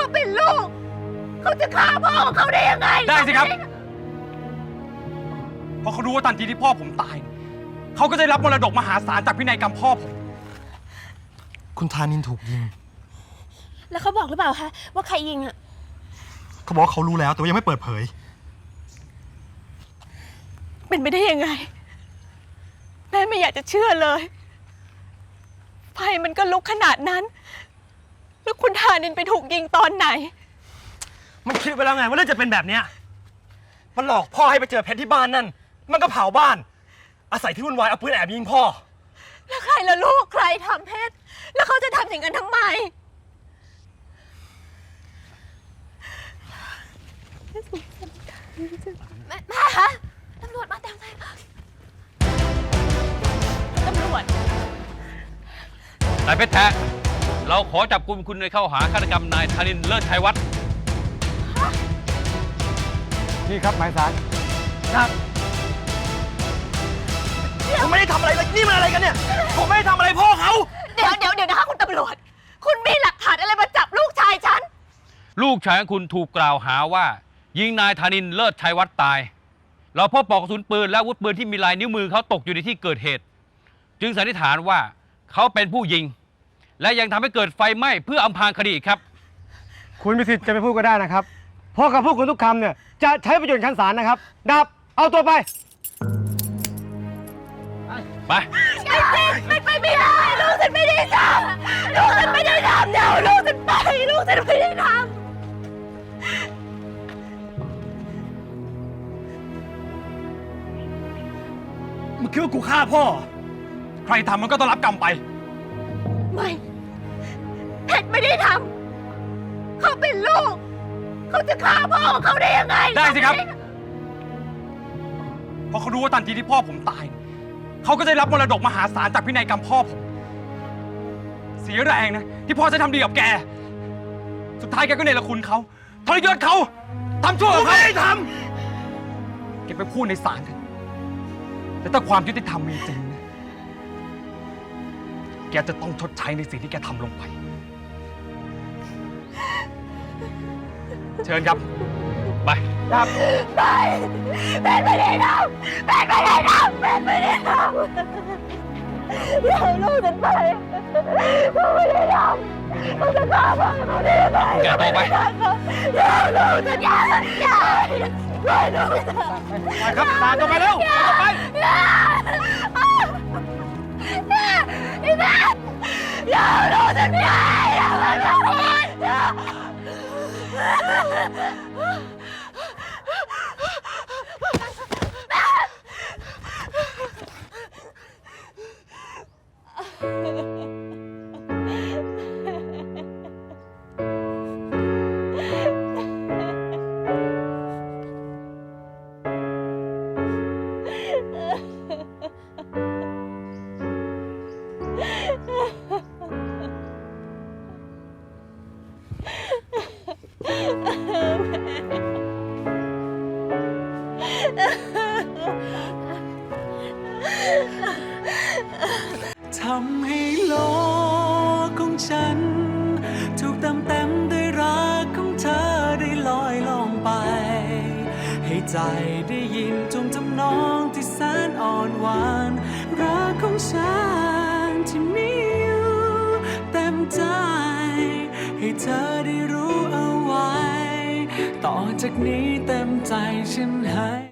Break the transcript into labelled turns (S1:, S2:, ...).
S1: เป็นลูกเขาจะฆ่าพ่อของเขาได้ยังไง
S2: ได้สิครับเพราะเขารู้ว่าทันทีที่พ่อผมตายเขาก็จะได้รับมรดกมหาศาลจากพินัยกรรมพ่อผม
S3: คุณธานินถูกยิง
S1: แล้วเขาบอกหรือเปล่าคะว่าใครยิงอ่ะ
S3: เขาบอกเขารู้แล้วแต่ว่ายังไม่เปิดเผย
S1: เป็นไปได้ยังไงแม่ไม่อยากจะเชื่อเลยไฟมันก็ลุกขนาดนั้นแล้วคุณธานินไปถูกยิงตอนไหน
S3: มันคิดไปแล้วไงว่าเรื่องจะเป็นแบบเนี้ยมันหลอกพ่อให้ไปเจอเพชรที่บ้านนั่นมันก็เผาบ้านอาศัยที่วุ่นวายเอาปืนแอบยิงพ่อ
S1: แล้วใครล่ะลูกใครทำเพชรแล้วเขาจะทำอย่างนั้นทำไมแม่คะตำรวจมาเต็มเลยตำรวจ
S4: นายเพชรแท้เราขอจับกุมคุณในข้อหาฆาตกรรมนายธานินทร์เลิศชัยวัฒน์
S2: นี่ครับหมายสาร
S3: ครับผมไม่ได้ทำอะไรเลยนี่มันอะไรกันเนี่ยผมไม่ได้ทำอะไรพ่อเขา
S1: เดี๋ยวนะคะคุณตำรวจคุณมีหลักฐานอะไรมาจับลูกชายฉัน
S4: ลูกชายของคุณถูกกล่าวหาว่ายิงนายธานินทร์เลิศชัยวัฒน์ตายเราพบปลอกกระสุนปืนและอาวุธปืนที่มีลายนิ้วมือเขาตกอยู่ในที่เกิดเหตุจึงสันนิษฐานว่าเขาเป็นผู้ยิงและยังทำให้เกิดไฟไหม้เพื่ออำพรางคดีครับ
S5: คุณมีสิทธิ์จะไปพูดก็ได้นะครับเพราะคำพูดคุณทุกคำเนี่ยจะใช้ประโยชน์ชั้นศาลนะครับดับเอาตัวไป
S4: ไป
S1: ไม่ได้ลูกฉันไม่ได้ทำลูกฉันไม่ได้ทำเดี๋ยวลูกฉันไปลูกฉันไม่ได้ท
S3: มึงคิดว่ากูฆ่าพ่อ
S2: ใครทำมันก็ต้องรับกรรมไป
S1: ไม่เพชรไม่ได้ทำเขาเป็นลูกเขาจะฆ่าพ่อของเขาได้ยังไง
S2: ได้สิครับเพราะเขารู้ว่าทันทีที่พ่อผมตายเขาก็จะได้รับมรดกมหาศาลจากพินัยกรรมพ่อผมเสียแรงนะที่พ่อจะทำดีกับแกสุดท้ายแกก็เนรคุณเขาทรยศเขาทำชั่วกับเขา
S3: ไม่ได้ท
S2: ำแกไปพูดในศาลแต่ถ้าความยุติธรรมมีจริงนะแกจะต้องชดใช้ในสิ่งที่แกทำลงไปเชิญครับ
S4: ไป
S5: ครับ
S1: ไปแม่ไม่ได้ทำแม่ไม่ได้ทำแม่ไม่ได้ทำอย่าให้ลูกฉันไปลูกไม่ได้ทำลูกจะฆ่าพ่อลูกไม่ได้ไป
S4: แกต่อไป
S1: อย่าลูกฉันอย่าปล่อยลูก
S2: ไปครับตามต่อไปเร็วต่อไป
S1: อย่าลูกฉันอย่าอย่า
S6: ทำให้โลกของฉันถูกเต็มด้วยรักของเธอได้ลอยล่องไปให้ใจได้ยินจงจำนองที่แสนอ่อนหวานรักของฉันที่มีอยู่เต็มใจให้เธอได้รู้เอาไว้ต่อจากนี้เต็มใจฉันให้